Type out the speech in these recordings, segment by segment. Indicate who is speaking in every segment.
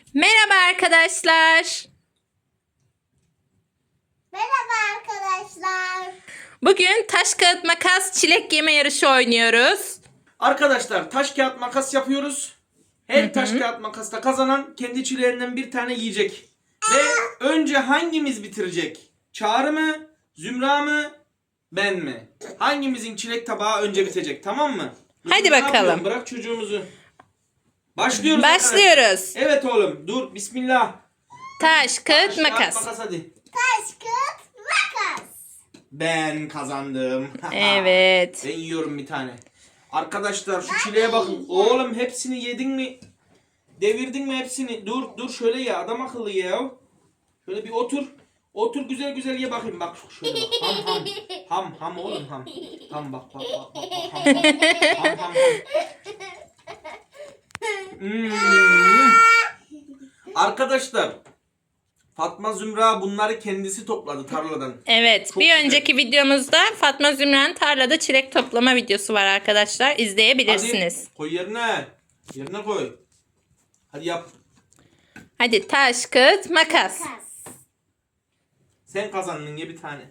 Speaker 1: Merhaba arkadaşlar.
Speaker 2: Merhaba arkadaşlar.
Speaker 1: Bugün taş kağıt makas çilek yeme yarışı oynuyoruz.
Speaker 3: Arkadaşlar taş kağıt makas yapıyoruz. Her taş kağıt makasta kazanan kendi çileğinden bir tane yiyecek. Ve önce hangimiz bitirecek? Çağrı mı? Zümra mı? Ben mi? Hangimizin çilek tabağı önce bitecek, tamam mı?
Speaker 1: Hadi
Speaker 3: Zümra, ne
Speaker 1: bakalım.
Speaker 3: yapıyorsun? Bırak çocuğumuzu. Başlıyoruz. Arkadaşlar.
Speaker 1: Başlıyoruz.
Speaker 3: Evet oğlum dur, bismillah.
Speaker 1: Taş kağıt
Speaker 3: Taş kağıt
Speaker 1: makas.
Speaker 3: makas hadi.
Speaker 2: Taş, kağıt, makas.
Speaker 3: Ben kazandım.
Speaker 1: Evet.
Speaker 3: Ben yiyorum bir tane. Arkadaşlar şu çileğe bakın. Oğlum hepsini yedin mi? Devirdin mi hepsini? Dur şöyle ye, adam akıllı ye ya. Şöyle bir otur. Otur güzel güzel ye bakayım, bak şöyle bak. Ham oğlum ham. Ham bak ham. Hmm. Arkadaşlar Fatma Zümra bunları kendisi topladı tarladan.
Speaker 1: Evet.
Speaker 3: Çok
Speaker 1: Bir
Speaker 3: güzel.
Speaker 1: önceki videomuzda Fatma Zümra'nın tarlada çilek toplama videosu var arkadaşlar. İzleyebilirsiniz.
Speaker 3: Hadi koy yerine. Yerine koy. Hadi yap.
Speaker 1: Hadi taş kağıt makas.
Speaker 2: Makas.
Speaker 3: Sen kazandın, ye bir tane.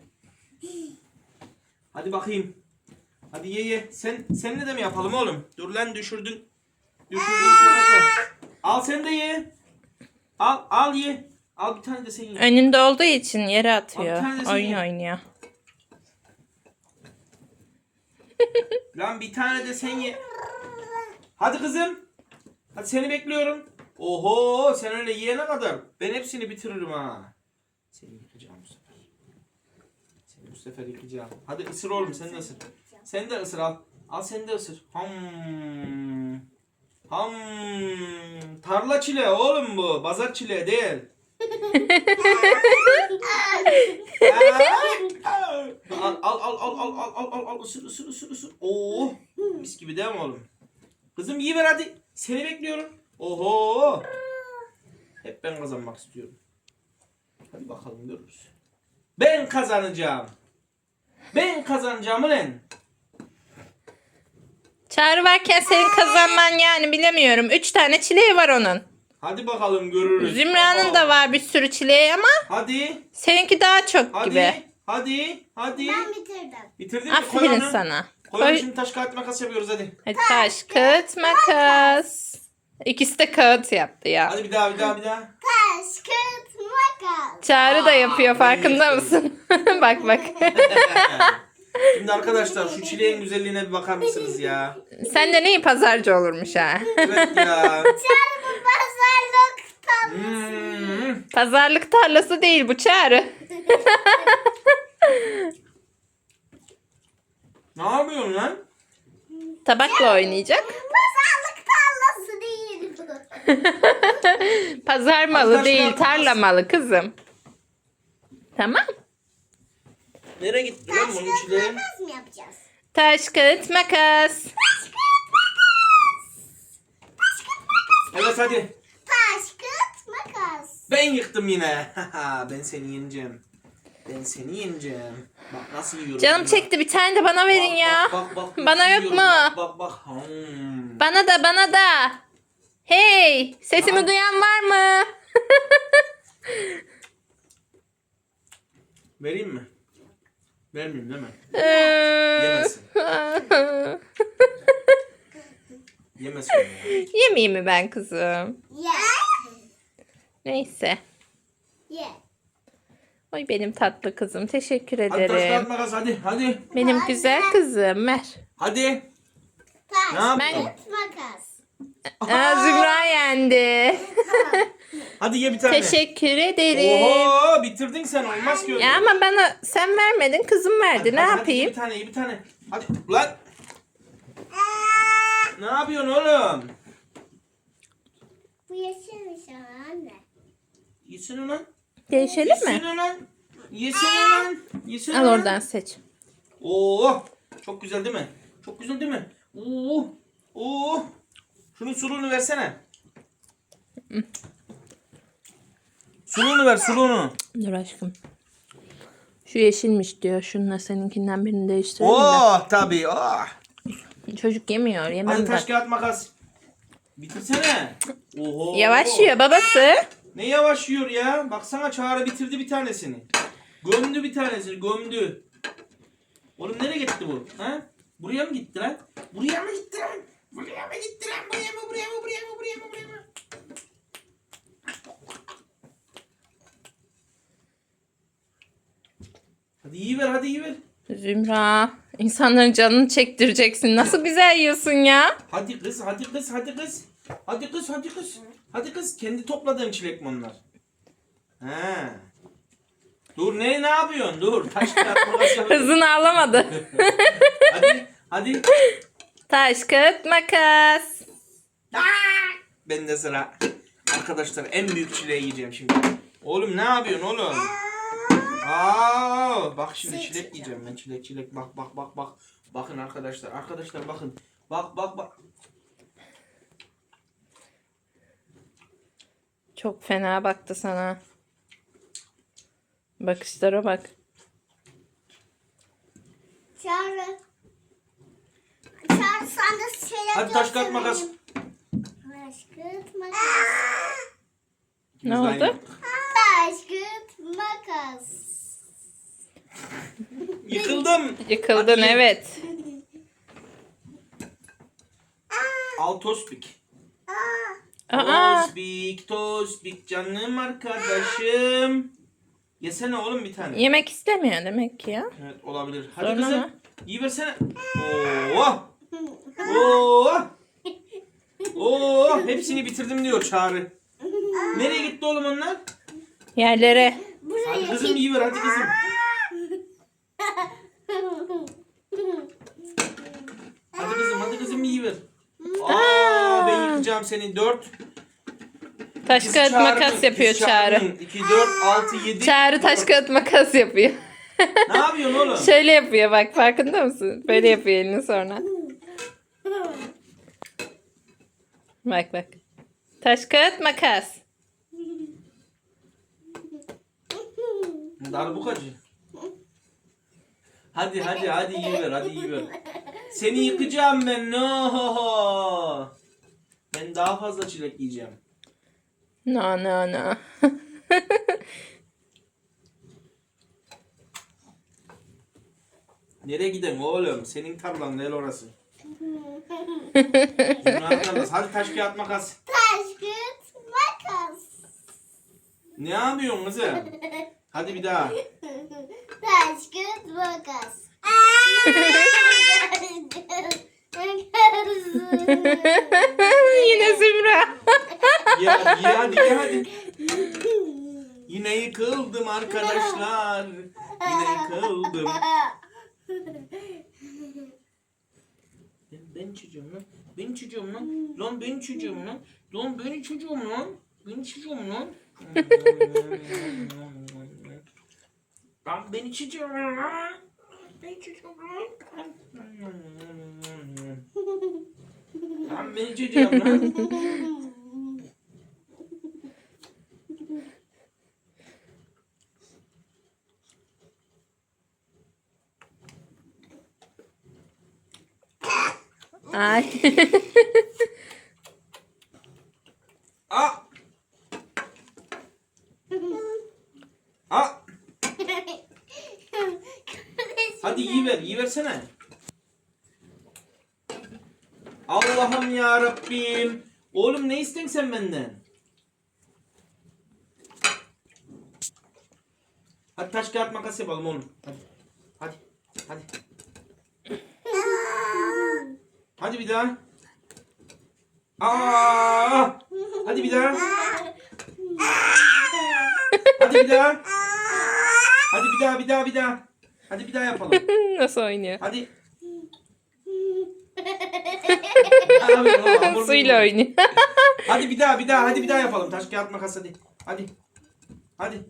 Speaker 3: Hadi bakayım. Hadi ye. Senle de mi yapalım oğlum? Dur lan düşürdün. Şöyle. Al sen de ye. Al ye. Al bir tane de sen ye.
Speaker 1: Önünde olduğu için yere atıyor.
Speaker 3: Abi, tanesi
Speaker 1: Oyun
Speaker 3: iyi.
Speaker 1: oynuyor.
Speaker 3: Lan bir tane de sen ye. Hadi kızım. Hadi seni bekliyorum. Oho sen öyle yiyene kadar ben hepsini bitiririm ha. Seni yıkacağım bu sefer. Seni bu sefer yıkacağım. Hadi ısır oğlum, sen de ısır. Sen de ısır al. Al sen de ısır. Ham. Tarla çile oğlum bu. Bazar çile değil. Al ısır. Oo, mis gibi değil mi oğlum? Kızım yiyiver hadi. Seni bekliyorum. Oho. Hep ben kazanmak istiyorum. Hadi bakalım görürüz. Ben kazanacağım. Ben kazanacağım ulan.
Speaker 1: Çağrı varken senin kazanman yani bilemiyorum. 3 tane çileği var onun.
Speaker 3: Hadi bakalım görürüz.
Speaker 1: Zümra'nın da var bir sürü çileği ama
Speaker 3: Hadi.
Speaker 1: seninki daha çok gibi.
Speaker 3: Hadi.
Speaker 2: Ben bitirdim.
Speaker 3: Bitirdin mi? Koy
Speaker 1: Aferin
Speaker 3: onu.
Speaker 1: sana.
Speaker 3: Koy onu,
Speaker 1: Koy.
Speaker 3: şimdi taş kağıt makas yapıyoruz hadi.
Speaker 1: Hadi taş, kağıt, makas. İkisi de kağıt yaptı ya.
Speaker 3: Hadi bir daha.
Speaker 2: Taş, kağıt, makas.
Speaker 1: Çağrı da yapıyor,
Speaker 3: ben
Speaker 1: farkında
Speaker 3: yaptım.
Speaker 1: mısın? Bak.
Speaker 3: Şimdi arkadaşlar şu çileğin güzelliğine bir bakar mısınız ya?
Speaker 1: Sen de neyi pazarcı olurmuş ha?
Speaker 3: Evet ya.
Speaker 2: Çağrı bu pazarlık tam.
Speaker 1: Pazarlık tarlası değil bu Çağrı.
Speaker 3: Ne yapıyorsun lan?
Speaker 1: Tabakla oynayacak.
Speaker 2: Pazarlık tarlası değil bu.
Speaker 1: Pazar malı
Speaker 3: Arkadaşlar,
Speaker 1: değil,
Speaker 3: makas.
Speaker 1: tarla malı kızım. Tamam.
Speaker 3: Nereye gitti lan
Speaker 2: Taş,
Speaker 3: bunun
Speaker 2: kağıt,
Speaker 3: çileği?
Speaker 2: makas mı yapacağız?
Speaker 1: Taş, kağıt, makas.
Speaker 3: Evet hadi.
Speaker 2: Taş, kağıt, makas.
Speaker 3: Ben yıktım yine. Ben seni yeneceğim. Bak nasıl yiyorum.
Speaker 1: Canım
Speaker 3: ya.
Speaker 1: çekti, bir tane de bana verin ya.
Speaker 3: Bak,
Speaker 1: Bana
Speaker 3: nasıl
Speaker 1: yok
Speaker 3: yiyorum.
Speaker 1: mu?
Speaker 3: Bak.
Speaker 1: Bana da. Hey, sesimi
Speaker 3: Aa.
Speaker 1: duyan var mı?
Speaker 3: Vereyim mi? Vermeyeyim değil mi?
Speaker 1: Ee,
Speaker 3: Yemesin. Yemesin ya.
Speaker 1: Yemeyeyim mi ben kızım?
Speaker 2: Ye.
Speaker 1: Neyse.
Speaker 2: Ye.
Speaker 1: Oy benim tatlı kızım. Teşekkür
Speaker 3: Hadi taş kağıt
Speaker 1: ederim.
Speaker 3: makas hadi.
Speaker 1: Benim güzel kızım. Ver.
Speaker 3: Hadi.
Speaker 2: Taş,
Speaker 3: Ne yapıyorsun?
Speaker 2: kağıt, makas.
Speaker 1: Zümra yendi.
Speaker 3: Hadi ye bir tane.
Speaker 1: Teşekkür ederim.
Speaker 3: Oho bitirdin sen, olmaz ki öyle.
Speaker 1: Ya ama bana sen vermedin, kızım verdi. Ne
Speaker 3: Hadi,
Speaker 1: yapayım?
Speaker 3: ye bir tane. Hadi lan. Ne yapıyorsun oğlum?
Speaker 2: Bu yeşilmiş ama anne.
Speaker 3: Yesene lan.
Speaker 1: Değişelim mi?
Speaker 3: Yesene
Speaker 1: Al
Speaker 3: lan.
Speaker 1: oradan seç.
Speaker 3: Oo, çok güzel değil mi? Oo. Şunun suluğunu versene. Suluğunu ver, suluğunu.
Speaker 1: Dur aşkım. Şu yeşilmiş diyor. Şununla seninkinden birini değiştirelim de.
Speaker 3: Oh, tabii. Oh.
Speaker 1: Çocuk yemiyor. Yemem
Speaker 3: Hadi
Speaker 1: ben.
Speaker 3: taş kağıt makas. Bitirsene. Oho.
Speaker 1: Yavaş yiyor babası.
Speaker 3: Ne yavaş yiyor ya? Baksana Çağrı bitirdi bir tanesini. Gömdü bir tanesini, gömdü. Oğlum nereye gitti bu? Ha? Buraya mı gitti lan? Buraya mı gitti lan? Buraya mı gitti lan? Buraya mı? Buraya mı? Buraya mı? Buraya mı? Buraya mı? Hadi iyi ver, hadi iyi ver.
Speaker 1: Zümra, insanların canını çektireceksin. Nasıl güzel yiyorsun ya?
Speaker 3: Hadi kız, hadi kız, hadi kız. Hadi kız, hadi kız. Hadi kız, kendi topladığın çilek mi onlar? He. Dur ne yapıyorsun? Dur. Taş kağıt makas yapalım.
Speaker 1: Hızını alamadı.
Speaker 3: Hadi, hadi.
Speaker 1: Taş, kağıt, makas.
Speaker 3: Bende sıra. Arkadaşlar en büyük çileği yiyeceğim şimdi. Oğlum ne yapıyorsun oğlum? Bak şimdi çilek yiyeceğim ben. Çilek. Bak. Bakın arkadaşlar. Arkadaşlar bakın. Bak.
Speaker 1: Çok fena baktı sana. Bakışlara bak.
Speaker 2: Çağrı. Çağrı sen de şeyler
Speaker 3: Hadi taş kağıt makas.
Speaker 2: Taş kağıt makas.
Speaker 1: Ne
Speaker 3: Biz de
Speaker 1: oldu?
Speaker 3: aynı.
Speaker 2: Taş kağıt makas.
Speaker 3: Yıkıldım.
Speaker 1: Yıkıldın
Speaker 3: Hadi.
Speaker 1: evet.
Speaker 3: Al tospik.
Speaker 1: Aa,
Speaker 3: Tospik canım arkadaşım. Yesene oğlum bir tane.
Speaker 1: yemek istemiyor demek ki ya.
Speaker 3: Evet olabilir. Hadi
Speaker 1: Sonra
Speaker 3: kızım.
Speaker 1: mı?
Speaker 3: İyi versene. Oo. Hepsini bitirdim diyor Çağrı. Nereye gitti oğlum onlar?
Speaker 1: Yerlere.
Speaker 3: Hadi kızım iyi ver, hadi kızım. Hadi kızım iyi ver. Ben yıkacağım seni. 4.
Speaker 1: Taş kağıt makas yapıyor Çağrı.
Speaker 3: 2, 4, 6, 7.
Speaker 1: Çağrı taş kağıt makas yapıyor.
Speaker 3: Ne yapıyorsun oğlum?
Speaker 1: Şöyle yapıyor bak, farkında mısın? Böyle yapıyor elini sonra. Bak. Taş kağıt makas.
Speaker 3: Darbukacı. Hadi iyi ver. Seni yıkacağım ben. No. Ben daha fazla çilek yiyeceğim.
Speaker 1: No.
Speaker 3: Nereye gidelim oğlum? Senin tarlan değil orası. Zümra'nın tarlası. Hadi taş kağıt makas.
Speaker 2: Taş kağıt makas.
Speaker 3: Ne yapıyorsun kızım? Hadi bir daha.
Speaker 2: Taş kağıt makas.
Speaker 1: Yine Zümra.
Speaker 3: Hadi. Yine yıkıldım arkadaşlar. Yine yıkıldım. Ben çocuğum lan. Lan ben çocuğum lan. Lan ben çocuğum lan. Lan ben çocuğum lan.
Speaker 1: Ay.
Speaker 3: Hadi iyi versene. Allah'ım ya Rabbim. Oğlum ne istiyorsun sen benden? Hadi taş kağıt makas yapalım oğlum. Hadi. Hadi bir daha. Hadi bir daha. Hadi bir daha yapalım.
Speaker 1: Nasıl oynuyor?
Speaker 3: Hadi.
Speaker 1: Suyla oynuyor.
Speaker 3: Hadi bir daha yapalım. Taş kağıt makas hadi. Hadi.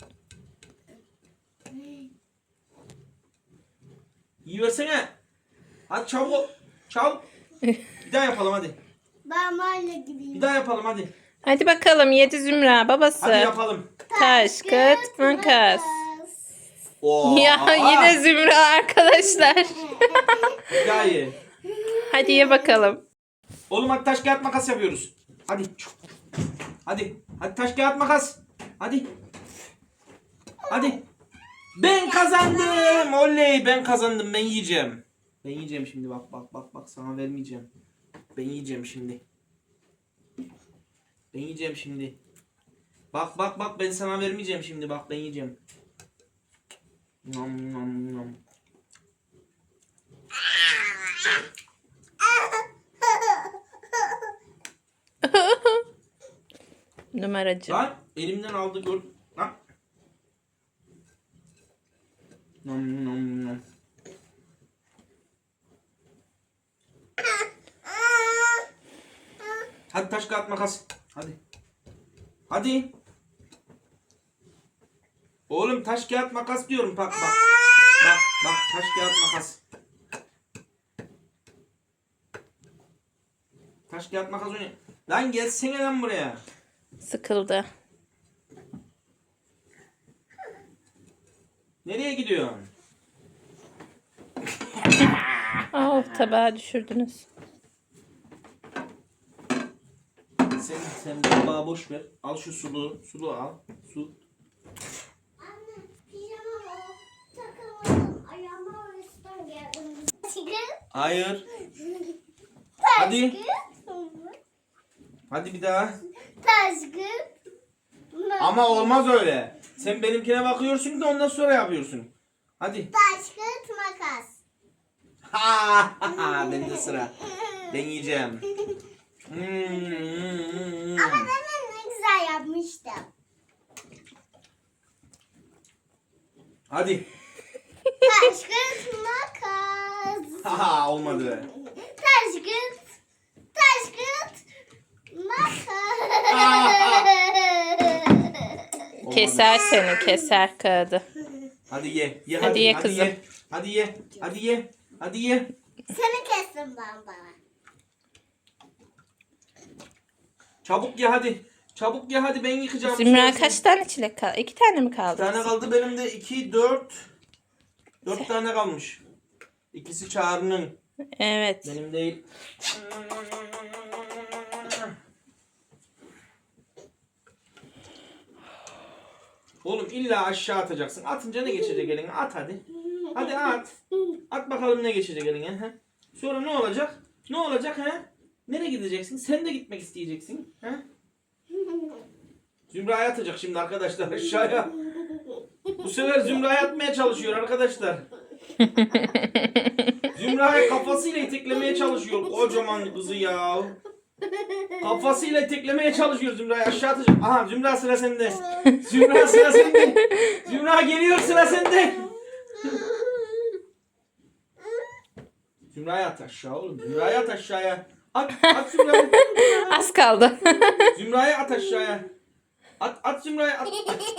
Speaker 3: İyi versene. Hadi çabuk. Bir daha yapalım hadi.
Speaker 2: Ben böyle gideyim.
Speaker 3: Bir daha yapalım hadi.
Speaker 1: Hadi bakalım yedi Zümra babası.
Speaker 3: Hadi yapalım.
Speaker 1: Taş kağıt makas.
Speaker 3: Oo.
Speaker 1: Ya yine Zümra arkadaşlar.
Speaker 3: Bir daha ye.
Speaker 1: Hadi ye bakalım.
Speaker 3: Oğlum hadi taş kağıt makas yapıyoruz. Hadi. Hadi. Hadi taş kağıt makas. Hadi. Hadi. Ben kazandım. Oley, ben kazandım. Ben yiyeceğim. Ben yiyeceğim şimdi. Bak bak bak bak, sana vermeyeceğim. Ben yiyeceğim şimdi. Ben yiyeceğim şimdi. Bak bak bak, ben sana vermeyeceğim şimdi. Bak ben yiyeceğim. Nom nom nom.
Speaker 1: Numaracı.
Speaker 3: Lan elimden aldı, gör. Lan. Nom nom nom. Hadi taş kağıt makas. Hadi. Hadi. Oğlum taş kağıt makas diyorum, bak bak. Bak bak, taş kağıt makas. Taş kağıt makas oynuyor. Lan gelsene lan buraya.
Speaker 1: Sıkıldı.
Speaker 3: Nereye gidiyorsun?
Speaker 1: Oh, tabağı düşürdünüz.
Speaker 3: Sen tabağı boş ver. Al şu sulu al. Su.
Speaker 2: Anne pijama takamadım. Ayağıma üstten geldim.
Speaker 3: Hayır.
Speaker 2: Taş
Speaker 3: Hadi.
Speaker 2: kağıt.
Speaker 3: Hadi bir daha.
Speaker 2: Taş kağıt.
Speaker 3: Ama olmaz öyle. Sen benimkine bakıyorsun da ondan sonra yapıyorsun. Hadi.
Speaker 2: Taş kağıt makas.
Speaker 3: Ha, bende sıra. Ben yiyeceğim.
Speaker 2: Ama demin ne güzel yapmıştım.
Speaker 3: Hadi.
Speaker 2: Taş kağıt makas.
Speaker 3: Ha, olmadı.
Speaker 2: Taş kağıt. Taş kağıt makas.
Speaker 3: Olmadı.
Speaker 1: Keser seni, keser kağıdı.
Speaker 3: Hadi ye. Ye
Speaker 1: Hadi ye kızım.
Speaker 3: Ye. Hadi ye. Hadi ye. Hadi ye.
Speaker 2: Seni kestim ben bana.
Speaker 3: Çabuk ye hadi. Çabuk ye hadi, ben yıkacağım.
Speaker 1: Zümra kaç tane çilek kaldı? 2 tane mi kaldı?
Speaker 3: Bir tane kaldı benim de. 2, 4. 4 tane kalmış. İkisi Çağrı'nın.
Speaker 1: Evet.
Speaker 3: Benim değil. Oğlum illa aşağı atacaksın. Atınca ne geçecek eline? At hadi. Hadi at. At bakalım ne geçecek eline. He? Sonra ne olacak? Ne olacak he? Nereye gideceksin? Sen de gitmek isteyeceksin. He? Zümra'ya atacak şimdi arkadaşlar aşağıya. Bu sefer Zümra'ya atmaya çalışıyor arkadaşlar. Zümra'ya kafasıyla iteklemeye çalışıyor. Kocaman kızı ya. Kafasıyla iteklemeye çalışıyor Zümra'yı, aşağı atacak. Aha, Zümra sıra sende. Zümra sıra sende. Zümra geliyor, sıra sende. Zümra'ya at aşağı oğlum. Zümra'ya at aşağıya. At Zümra'ya.
Speaker 1: Az kaldı.
Speaker 3: Zümra'ya at aşağıya. At Zümra'ya at.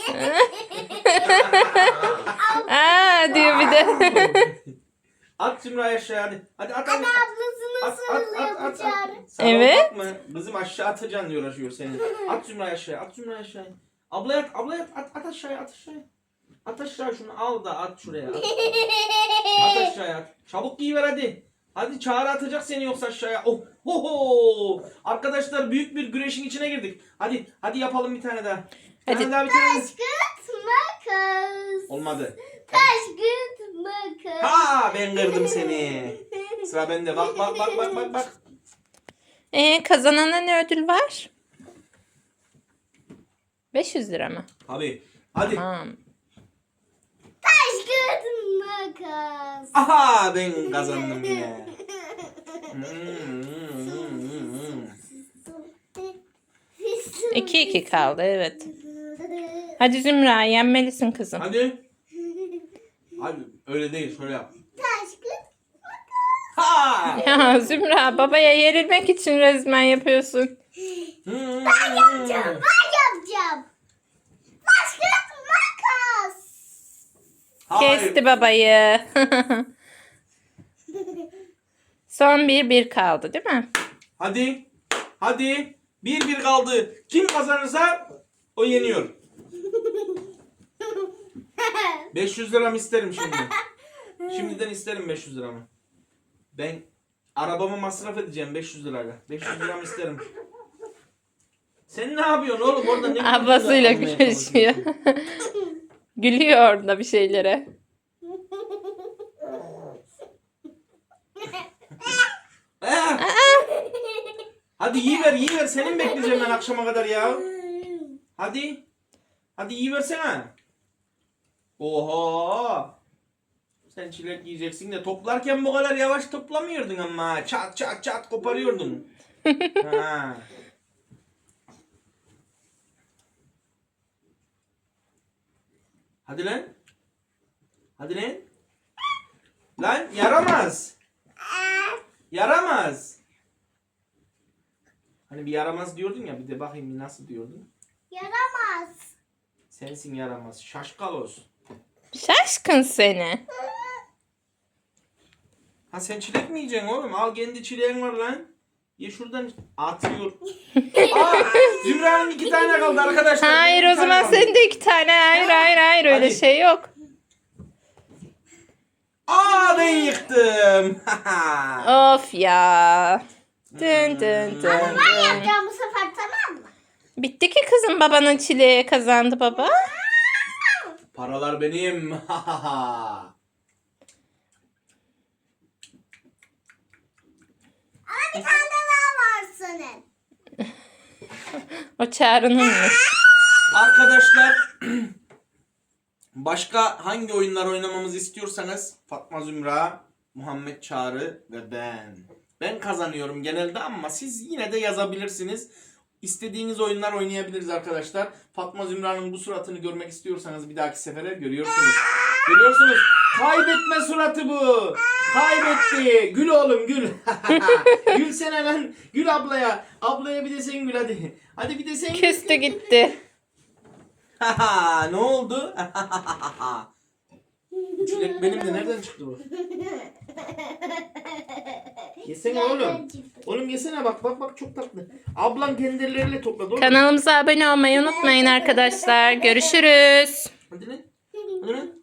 Speaker 1: Aa diyor bir de.
Speaker 3: At Zümra'ya aşağıya hadi. Hadi at.
Speaker 2: Anne ablasını sarılıyor bu çağrı.
Speaker 1: Evet.
Speaker 3: Bakma. Kızım aşağı atacaksın diye uğraşıyor seni. At Zümra'ya aşağıya. At Zümra'ya aşağıya. Ablaya at. Ablaya at. At aşağıya. At aşağıya. At aşağı şunu al da at şuraya. At aşağıya at. Çabuk giyiver hadi. Hadi Çağrı atacak seni yoksa aşağıya. Oh, ho, ho. Arkadaşlar büyük bir güreşin içine girdik. Hadi yapalım bir tane daha. Bir
Speaker 1: Hadi.
Speaker 3: tane daha, bir tane daha.
Speaker 2: Taş kağıt makas.
Speaker 3: Olmadı.
Speaker 2: Taş kağıt makas.
Speaker 3: Ha, ben kırdım seni. Sıra bende. Bak.
Speaker 1: Kazanana ne ödül var? 500 lira mı?
Speaker 3: Abi. Hadi.
Speaker 1: Tamam.
Speaker 2: Taş kağıt makas.
Speaker 3: Aha, ben kazandım yine.
Speaker 1: 2-2 kaldı, evet. Hadi Zümra, yenmelisin kızım.
Speaker 3: Hadi. Hadi öyle değil, şöyle yap.
Speaker 2: Taş kağıt
Speaker 3: Ha!
Speaker 1: Ya Zümra, babaya yerilmek için resmen yapıyorsun.
Speaker 2: Ben yapacağım. Taş kağıt makas.
Speaker 3: Hayır.
Speaker 1: Kesti babayı. Son 1-1 kaldı değil mi?
Speaker 3: Hadi. 1-1 kaldı. Kim kazanırsa o yeniyor. 500 liramı isterim şimdi. Şimdiden isterim 500 liramı. Ben arabamı masraf edeceğim 500 lirayla. 500 liramı isterim. Sen ne yapıyorsun oğlum orada ne
Speaker 1: Ablasıyla
Speaker 3: almaya
Speaker 1: görüşüyor.
Speaker 3: çalışıyorsun?
Speaker 1: Gülüyor orada bir şeylere.
Speaker 3: Eh! Hadi yiyiver senin bekleyeceğim ben akşama kadar ya. Hadi. Hadi yiyiversene. Oha. Sen çilek yiyeceksin de toplarken bu kadar yavaş toplamıyordun ama. Çat çat çat koparıyordun. Ha. Hadi lan. Hadi lan. Lan yaramaz. Yaramaz. Hani bir yaramaz diyordun ya bir de bakayım bir nasıl diyordun.
Speaker 2: Yaramaz.
Speaker 3: Sensin yaramaz. Şaşkalos.
Speaker 1: Şaşkın seni.
Speaker 3: Ha sen çilek mi yiyeceksin oğlum? Al kendi çileğin var lan. Ye şuradan atıyor. Aa, Zümra'nın 2 tane kaldı arkadaşlar.
Speaker 1: Hayır
Speaker 3: Benim
Speaker 1: o
Speaker 3: bir tane
Speaker 1: zaman
Speaker 3: kaldı.
Speaker 1: senin de 2 tane. Hayır öyle
Speaker 3: Hadi.
Speaker 1: şey yok.
Speaker 3: Aa ben yıktım.
Speaker 1: Of ya. Dın dın dın.
Speaker 2: Ben yapacağım bu sefer, tamam mı?
Speaker 1: Bitti ki kızım, babanın çileği kazandı baba.
Speaker 3: Paralar benim.
Speaker 2: Ama bir tane daha var senin.
Speaker 1: O Çağrı'nınmış.
Speaker 3: Arkadaşlar başka hangi oyunlar oynamamızı istiyorsanız Fatma Zümra, Muhammed Çağrı ve ben. Ben kazanıyorum genelde ama siz yine de yazabilirsiniz. İstediğiniz oyunlar oynayabiliriz arkadaşlar. Fatma Zümra'nın bu suratını görmek istiyorsanız bir dahaki sefere görüyorsunuz. Görüyorsunuz. Kaybetme suratı bu. Kaybetti. Gül oğlum gül. Gülsene lan. Gül ablaya. Ablaya bir de sen gül hadi. Hadi bir de sen gül.
Speaker 1: Küstü gitti.
Speaker 3: Ne oldu? Çilek benim de nereden çıktı bu? Yesene oğlum. Oğlum yesene bak çok tatlı. Ablam kendi elleriyle topladı oğlum.
Speaker 1: Kanalımıza abone olmayı unutmayın arkadaşlar. Görüşürüz.
Speaker 3: Hadi lan. Hadi lan.